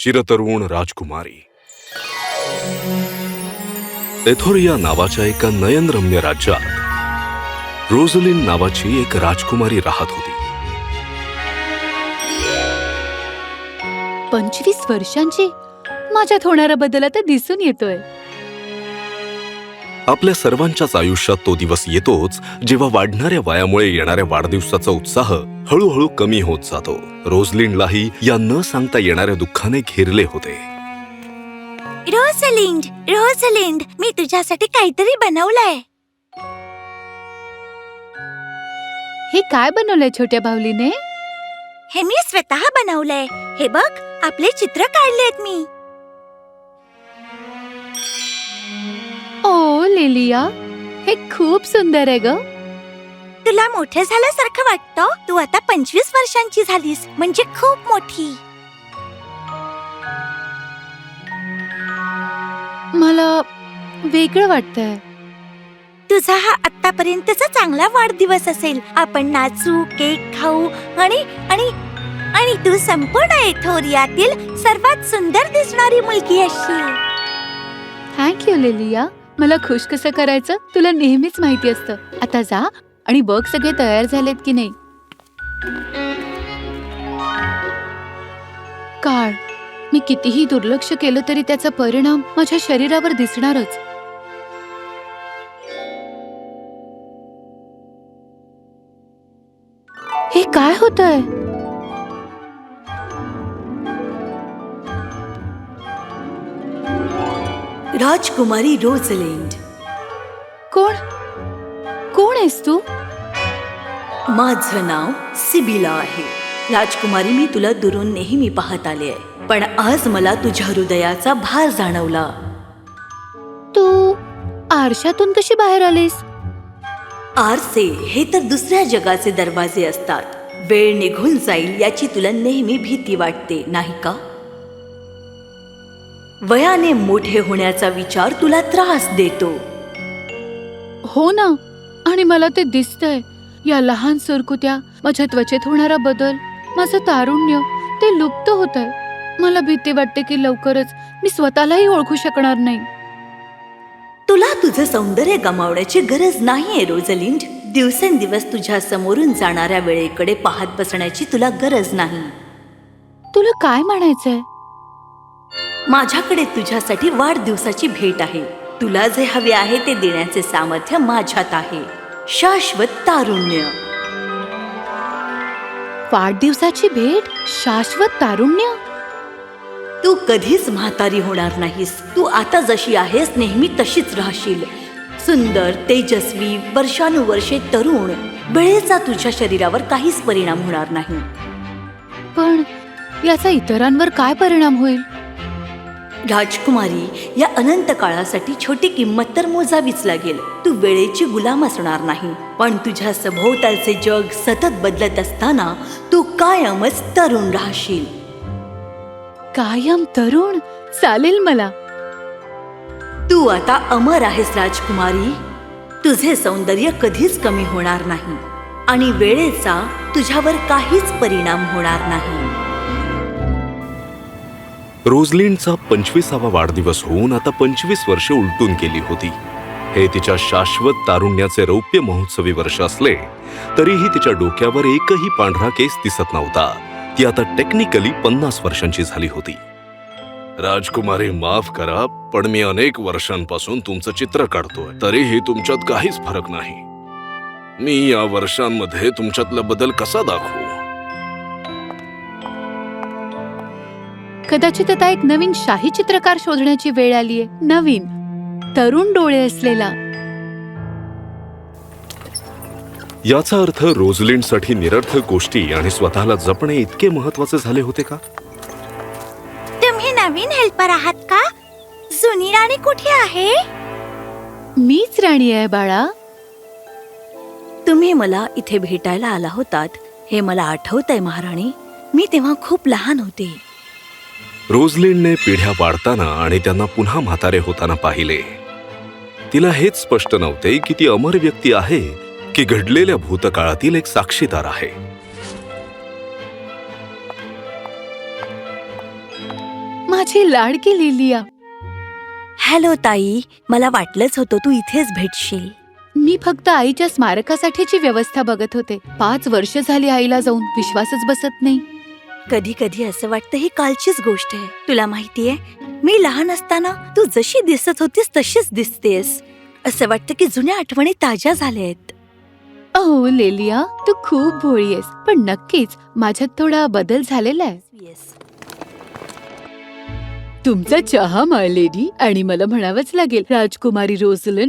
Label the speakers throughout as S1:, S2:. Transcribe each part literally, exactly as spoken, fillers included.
S1: चिरतरुण राजकुमारी. एथोरिया नावाच्या एका नयनरम्य राज्यात रोझलिन नावाची एक राजकुमारी राहत होती.
S2: पंचवीस वर्षांची माझ्यात होणारा बदल आता दिसून येतोय.
S1: आपल्या सर्वांच्याच आयुष्यात तो दिवस येतोच जेव्हा वाढणाऱ्या वयामुळे येणाऱ्या वाढदिवसाचा उत्साह हळूहळू कमी होत जातो. रोझलिनलाही या न सांगता येणाऱ्या दुःखाने घेरले होते.
S3: रोझलिंड, रोझलिंड, मी तुझ्यासाठी काहीतरी बनवलंय.
S2: हे काय बनवलंय छोट्या बाहुलीने?
S3: हे मी स्वतः बनवलंय. हे बघ, आपले चित्र काढलेत मी.
S2: ओ लिलिया, हे खूप सुंदर आहे ग.
S3: तुला मोठे झाल्यासारखं वाटतं? तू आता पंचवीस वर्षांची झालीस, म्हणजे खूप मोठी.
S2: मला वेगळं वाटतंय.
S3: तुझा हा आतापर्यंतचा चांगला वाढदिवस असेल. आपण नाचू, केक खाऊ आणि आणि आणि तू संपूर्ण एथोरियातील सर्वात सुंदर दिसणारी मुलगी असशील.
S2: Thank you Lilia. मला खुश कसं करायचं तुला नेहमीच माहिती असतं. आता जा आणि बघ सगळे तयार झालेत की नाही. काळ, मी कितीही दुर्लक्ष केलं तरी त्याचा परिणाम माझ्या शरीरावर दिसणारच. हे काय होतंय?
S4: राजकुमारी रोझलिंड.
S2: कोण कोण आहेस तू?
S4: माझं नाव सिबिला आहे. राजकुमारी, मी तुला दुरून नेहमी पाहत आले आहे, पण आज मला तुझ्या हृदयाचा भार जाणवला.
S2: तू आरशातून कशी बाहेर आलीस?
S4: आरसे हे तर दुसऱ्या जगाचे दरवाजे असतात. वेळ निघून जाईल याची तुला नेहमी भीती वाटते, नाही का? वयाने मोठे होण्याचा विचार तुला त्रास देतो.
S2: हो ना, आणि मला ते दिसतंय. या लहान सुरकुत्या, माझ्या त्वचेत होणारा बदल, माझं तारुण्य, ते लुप्त होतंय. मला भीती वाटते की लवकरच मी स्वतःलाही ओळखू शकणार नाही.
S4: तुला तुझं सौंदर्य गमावण्याची गरज नाहीये रोझलिंड. दिवसेंदिवस तुझ्या समोरून जाणाऱ्या वेळेकडे पाहत बसण्याची तुला गरज नाही.
S2: तुला काय म्हणायचंय?
S4: माझ्याकडे तुझ्यासाठी वाढदिवसाची भेट आहे. तुला जे हवे आहे ते देण्याचे सामर्थ्य माझ्यात आहे. शाश्वत तारुण्य.
S2: वाढदिवसाची भेट? शाश्वत तारुण्य?
S4: तू कधीच म्हातारी होणार नाहीस. तू आता जशी आहेस नेहमी तशीच राहशील. सुंदर, तेजस्वी, वर्षानुवर्षे तरुण. वेळेचा तुझ्या शरीरावर काहीच परिणाम होणार नाही.
S2: पण याचा इतरांवर काय परिणाम होईल?
S4: राजकुमारी, या अनंत काळासाठी छोटी किंमत तर मोजावीच लागेल. तू वेळेची गुलाम असणार नाही, पण तुझ्या सभोवतालचे जग सतत बदलत असताना तू कायमच तरुण राहशील.
S2: कायम तरुण? चालेल मला.
S4: तू आता अमर आहेस राजकुमारी. तुझे सौंदर्य कधीच कमी होणार नाही आणि वेळेचा तुझ्यावर काहीच परिणाम होणार नाही.
S1: रोझलिनचा पंचवीसावा वाढदिवस होऊन आता पंचवीस वर्षे उलटून गेली होती. हे तिच्या शाश्वत तारुण्याचे रौप्य महोत्सवी वर्ष असले तरीही तिच्या डोक्यावर एकही पांढरा केस दिसत नव्हता. ती आता टेक्निकली पन्नास वर्षांची झाली होती. राजकुमारी, माफ करा, पण मी अनेक वर्षांपासून तुमचं चित्र काढतोय, तरीही तुमच्यात काहीच फरक नाही. मी या वर्षांमध्ये तुमच्यातला बदल कसा दाखवू?
S2: कदाचित आता एक नवीन शाही चित्रकार शोधण्याची वेळ आलीये. नवीन, तरुण डोळे असलेला.
S1: याचा अर्थ रोझलिनसाठी निरर्थक गोष्टी आणि स्वतःला जपणे इतके महत्वाचे झाले होते का?
S3: तुम्ही नवीन हेल्पर आहात का? जुनी राणी कुठे आहे?
S2: मीच राणी आहे बाळा.
S4: तुम्ही मला इथे भेटायला आला होतात हे मला आठवतंय महाराणी. मी तेव्हा खूप लहान होते.
S1: रोझलिनने पिढ्या वाढताना आणि त्यांना पुन्हा म्हातारे होताना पाहिले. तिला हेच स्पष्ट नव्हते की ती अमर व्यक्ती आहे की घडलेल्या भूतकाळातील एक साक्षीदार आहे.
S2: माझी लाडकी लिलिया.
S3: हॅलो ताई, मला वाटलंच होतं तू इथेच भेटशील.
S2: मी फक्त आईच्या स्मारकासाठीची व्यवस्था बघत होते. पाच वर्ष झाली आईला जाऊन, विश्वासच बसत नाही.
S3: कधी कधी असं वाटतं ही कालचीच गोष्ट आहे. तुला माहितीये, मी लहान असताना तू जशी दिसत होतीस तशीच दिसतेस. असं वाटतं की जुन्या आठवणी ताज्या झाल्यात.
S2: अहो लेलिया, तू खूप भोळी आहेस, पण नक्कीच माझ्यात थोडा बदल झालेला आहे. तुमचा चहा माय लेडी. आणि मला म्हणावंच लागेल राजकुमारी रोझलिन,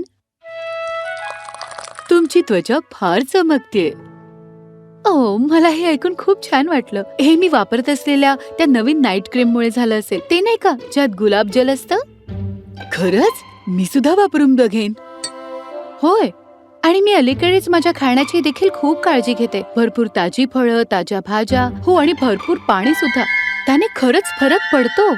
S2: तुमची त्वचा फार चमकतेय. ओ, मला हे ऐकून खूप छान वाटलं. हे मी वापरत असलेल्या त्या नवीन नाईट क्रीम मुळे झालं असेल. ते नाही का ज्यात गुलाब जल असतं? खरंच मी सुद्धा वापरून बघेन. होय, आणि मी अलीकडेच माझ्या खाण्याची देखील खूप काळजी घेते. भरपूर ताजी फळं, ताज्या भाज्या, हो, आणि भरपूर पाणी सुद्धा. त्याने खरंच फरक पडतो.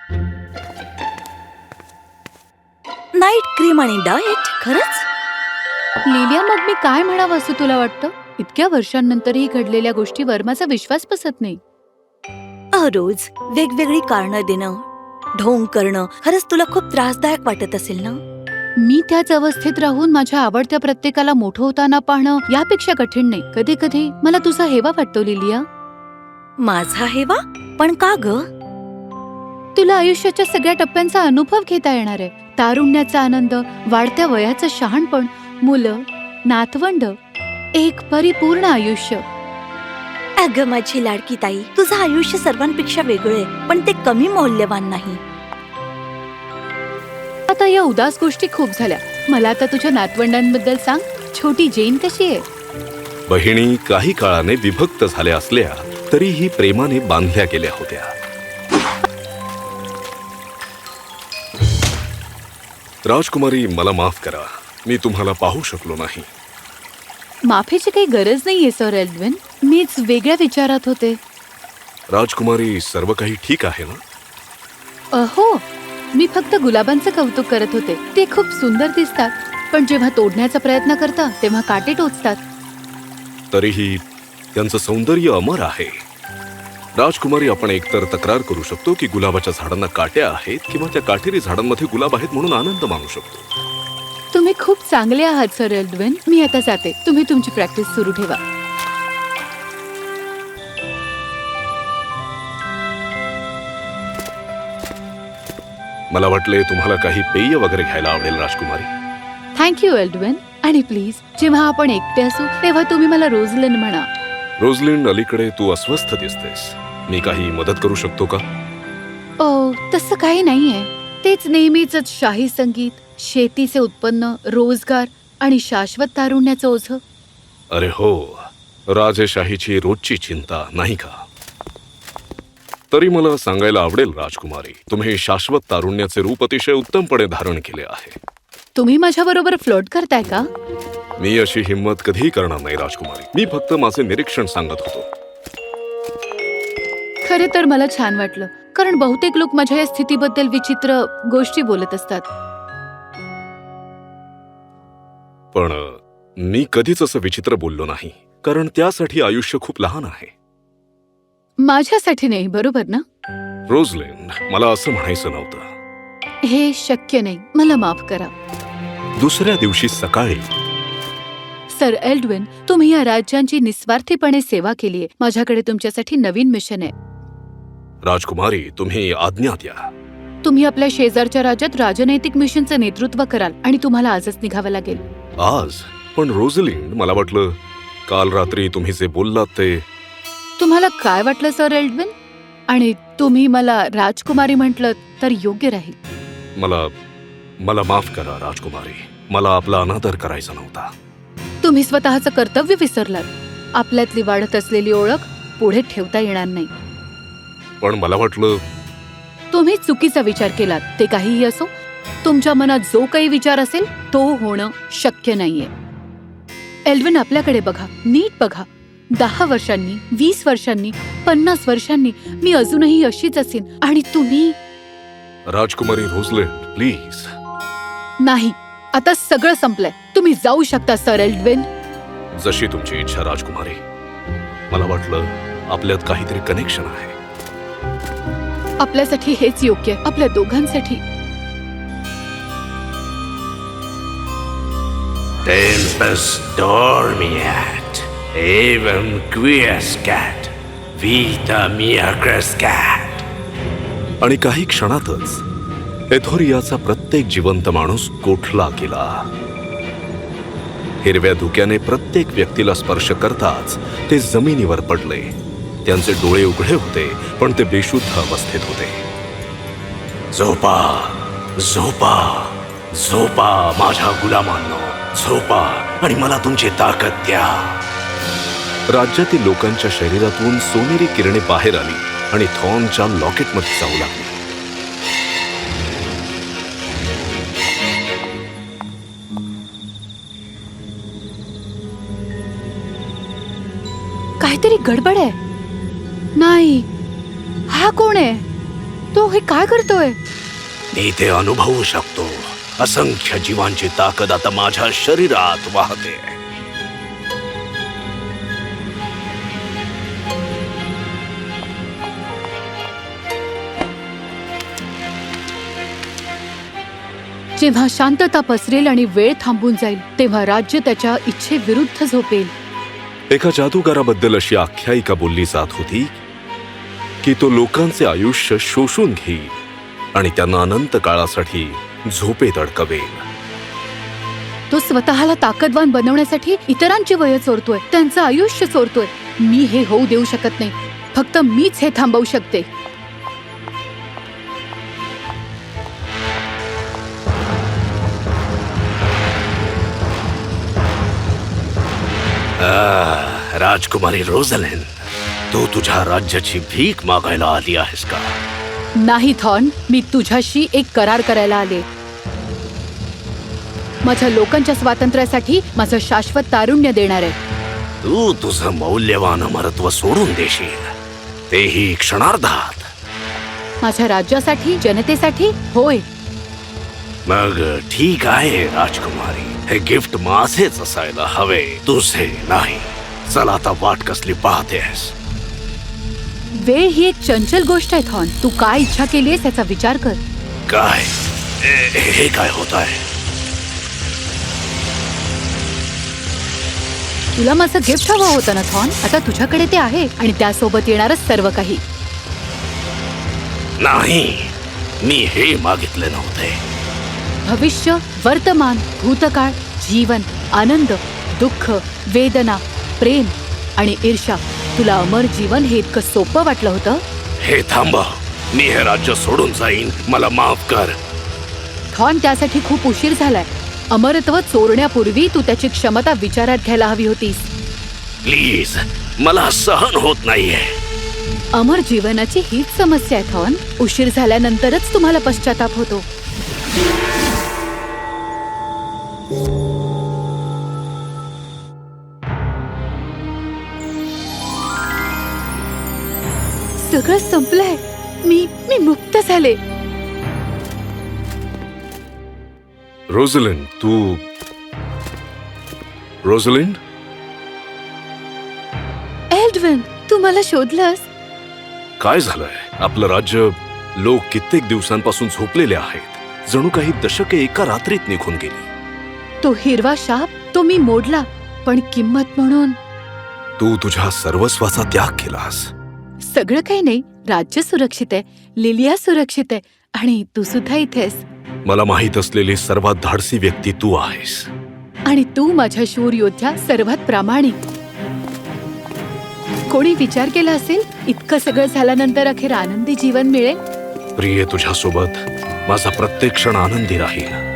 S3: नाईट क्रीम आणि डाएट, खरंच?
S2: लिलिया, मग मी काय म्हणावं असं तुला वाटतं? इतक्या वर्षांनंतरही घडलेल्या गोष्टीवर माझा विश्वास बसत नाही.
S3: रोज वेगवेगळी कारणं देणं, ढोंग करणं खरंच तुला खूप त्रासदायक वाटत असेल ना?
S2: मी त्याच अवस्थेत राहून माझ्या आवडत्या प्रत्येकाला मोठं होताना पाहणं यापेक्षा कठीण नाही. कधी कधी मला तुझा हेवा वाटतो लिलिया.
S3: माझा हेवा? पण का ग?
S2: तुला आयुष्याच्या सगळ्या टप्प्यांचा अनुभव घेता येणार आहे. तारुण्याचा आनंद, वाढत्या वयाचं शहाणपण, मुलं, नातवंड, एक परिपूर्ण आयुष्य.
S3: अगं माझी लाडकी ताई, तुझं आयुष्य सर्वांपेक्षा वेगळं आहे, पण ते कमी मौल्यवान नाही.
S2: आता या उदास गोष्टी खूप झाल्या. मला आता तुझ्या नातवंडांबद्दल सांग. छोटी जेन कशी आहे?
S1: बहिणी काही काळाने विभक्त झाल्या असल्या तरीही प्रेमाने बांधल्या गेल्या होत्या. राजकुमारी, मला माफ करा, मी तुम्हाला पाहू शकलो नाही.
S2: माफीची काही गरज नाहीये सर एल्डविन. मीच वेगळ्या विचारात होते.
S1: राजकुमारी, सर्व काही ठीक आहे ना?
S2: अहो, मी फक्त गुलाबांचं कौतुक करत होते. ते खूप सुंदर दिसतात, पण जेव्हा तोडण्याचा प्रयत्न करता तेव्हा काटे टोचतात.
S1: तरीही त्यांचं सौंदर्य अमर आहे. राजकुमारी, आपण एकतर तक्रार करू शकतो की गुलाबाच्या झाडांना काट्या आहेत, किंवा त्या काटेरी झाडांमध्ये गुलाब आहेत म्हणून आनंद मानू शकतो.
S2: तुम्ही खूप चांगले आहात सर एल्डविन. मी आता जाते. तुम्ही तुमची प्रॅक्टिस सुरू ठेवा.
S1: मला वाटले तुम्हाला काही पेय वगैरे घ्यायला आवडेल राजकुमारी.
S2: Thank you Eldwin. आणि प्लीज, जेव्हा आपण एकटे असू तेव्हा तुम्ही मला रोझलिन म्हणा.
S1: रोझलिन, अलीकडे तू अस्वस्थ दिसतेस. मी काही मदत करू शकतो का?
S2: ओ, तसं काही नाहीये. तेच नेहमीच शाही संगीत, शेतीचे उत्पन्न, रोजगार आणि शाश्वत तारुण्याचं ओझं.
S1: अरे हो, राजेशाहीची रोजची चिंता, नाही का? तरी मला सांगायला आवडेल राजकुमारी, तुम्ही शाश्वत तारुण्याचे रूप अतिशय उत्तमपणे धारण केले आहे.
S2: तुम्ही माझ्याबरोबर फ्लर्ट करताय का?
S1: मी अशी हिंमत कधीही करणार नाही राजकुमारी. मी फक्त माझे निरीक्षण सांगत होतो.
S2: खरे तर मला छान वाटलं, कारण बहुतेक लोक माझ्या या स्थितीबद्दल विचित्र गोष्टी बोलत असतात.
S1: पण मी कधीच असं विचित्र बोललो नाही, कारण त्यासाठी आयुष्य खूप लहान आहे.
S2: माझ्यासाठी नाही, बरोबर ना?
S1: रोझलिन, मला असं म्हणायचं नव्हतं.
S2: हे शक्य नाही. मला माफ करा.
S1: दुसऱ्या दिवशी सकाळी
S2: सर एल्डविन, तुम्ही या राज्यांची निस्वार्थीपणे सेवा केलीये. माझ्याकडे तुमच्यासाठी नवीन मिशन आहे.
S1: राजकुमारी, तुम्ही आज्ञा द्या.
S2: तुम्ही आपल्या शेजारच्या राज्यात राजनैतिक मिशनचं नेतृत्व कराल आणि तुम्हाला आजच निघावं लागेल.
S1: आज? पण रोझलिन, मला वाटलं काल रात्री तुम्ही जे बोललात ते.
S2: तुम्हाला काय वाटलं सर एल्डविन? आणि तुम्ही मला राजकुमारी म्हटलं तर योग्य राहील.
S1: मला मला माफ करा राजकुमारी. मला आपला अनादर करायचा नव्हता.
S2: तुम्ही स्वतःचं कर्तव्य विसरलात. आपल्यातली वाढत असलेली ओळख पुढे ठेवता येणार नाही.
S1: पण मला वाटलं.
S2: तुम्ही चुकीचा विचार केलात. ते काहीही असो, तुमच्या मनात जो काही विचार असेल तो होणं शक्य नाहीये. एल्डविन, आपल्याकडे बघा, नीट बघा. दहा वर्षांनी, वीस वर्षांनी, पन्नास वर्षांनी मी अजूनही अशीच असेन. आणि तुम्ही.
S1: राजकुमारी रोझलिन, प्लीज.
S2: नाही, आता सगळं संपलंय. तुम्ही जाऊ शकता सर एल्डविन.
S1: जशी तुमची इच्छा राजकुमारी. मला वाटलं आपल्यात काहीतरी कनेक्शन आहे.
S2: आपल्यासाठी हेच योग्य आहे, आपल्या दोघांसाठी.
S1: Tempus dormiat, evam quiescat, vita mia crescat. आणि काही क्षणातच एथोरियाचा प्रत्येक जिवंत माणूस गोठला गेला. हिरव्या धुक्याने प्रत्येक व्यक्तीला स्पर्श करताच ते जमिनीवर पडले. त्यांचे डोळे उघडे होते, पण ते बेशुद्ध अवस्थेत होते. झोपा, झोपा, झोपा माझ्या गुलामांनो, झोपा आणि मला तुमची ताकद द्या. राज्यातील लोकांच्या शरीरातून सोनेरी किरणे बाहेर आली आणि थॉर्नच्या लॉकेटमध्ये जाऊ लागली.
S2: काहीतरी गडबड आहे. नाही, हा कोण आहे? तो हे काय करतोय?
S1: मी ते अनुभवू शकतो. असंख्य जीवांची ताकद आता माझ्या शरीरात वाहते.
S2: जेव्हा शांतता पसरेल आणि वेळ थांबून जाईल, तेव्हा राज्य त्याच्या इच्छेविरुद्ध झोपेल.
S1: एका जादूगाराबद्दल अशी आख्यायिका बोलली जात होती की तो लोकांचे आयुष्य शोषून घेईल आणि त्यांना अनंत काळासाठी झोपेत अडकवेल.
S2: तो स्वतःला ताकदवान बनवण्यासाठी इतरांची वय चोरतोय, त्यांचं आयुष्य चोरतोय. मी हे होऊ देऊ शकत नाही. फक्त मीच हे थांबवू शकते.
S1: आह, राजकुमारी रोझलिन, तू तुझ्या राज्याची भीक मागायला आली आहेस का?
S2: नाही थॉर्न, मी तुझ्याशी एक करार करायला आले. माझ्या लोकांच्या स्वातंत्र्यासाठी माझं शाश्वत तारुण्य देणार आहे.
S1: तू तुझं मौल्यवान अमरत्व सोडून देशील, तेही क्षणार्धात.
S2: माझ्या राज्यासाठी, जनतेसाठी? होय.
S1: मग ठीक आहे राजकुमारी, हे गिफ्ट माझेच असायला हवे, तुझे नाही. चल आता वाट कसली पाहतेस?
S2: वेळ ही एक चंचल गोष्ट आहे थॉर्न. तू काय इच्छा केलीयस याचा विचार कर.
S1: काय ए- हे काय होत आहे?
S2: तुला माझं गिफ्ट हवं होतं ना थॉर्न? आता तुझ्याकडे ते आहे आणि त्यासोबत येणारच सर्व काही.
S1: नाही, मी हे मागितले नव्हते.
S2: भविष्य, वर्तमान, भूतकाळ, जीवन, आनंद, दुःख, वेदना, प्रेम आणि ईर्ष्या. तुला अमर जीवन हे इतकं सोपं वाटलं होतं?
S1: हे थांबा, मी हे राज्य सोडून जाईन, मला माफ कर.
S2: थॉर्न, त्यासाठी खूप उशीर झालाय. अमरत्व चोरण्यापूर्वी तू त्याची क्षमता विचारात घ्यायला हवी होतीस.
S1: प्लीज, मला सहन होत नाहीये.
S2: अमर जीवनाची हीच समस्या आहे थॉर्न. उशीर झाल्यानंतरच तुम्हाला पश्चाताप होतो. सगळं संपलंय. मी मी मुक्त झाले.
S1: रोझलिन, तू रोझलिन
S2: एल्डविन, तू मला शोधलंस?
S1: काय झालंय? आपलं राज्य, लोक कित्येक दिवसांपासून झोपलेले आहेत. जणू काही दशके एका रात्रीत निघून गेली.
S2: तो हिरवा शाप, तो मी मोडला, पण किंमत म्हणून
S1: तू तुझ्या सर्वस्वाचा त्याग केलास.
S2: सगळं काही नाही. राज्य सुरक्षित आहे, लिलिया सुरक्षित आहे आणि तू सुद्धा इथेस.
S1: मला माहित असलेली सर्वात धाडसी व्यक्ती तू आहेस.
S2: आणि तू माझ्या शूर योद्ध्या, सर्वात प्रामाणिक. कोणी विचार केला असेल इतकं सगळं झाल्यानंतर अखेर आनंदी जीवन मिळेल?
S1: प्रिये, तुझ्यासोबत माझा प्रत्येक क्षण आनंदी राहील.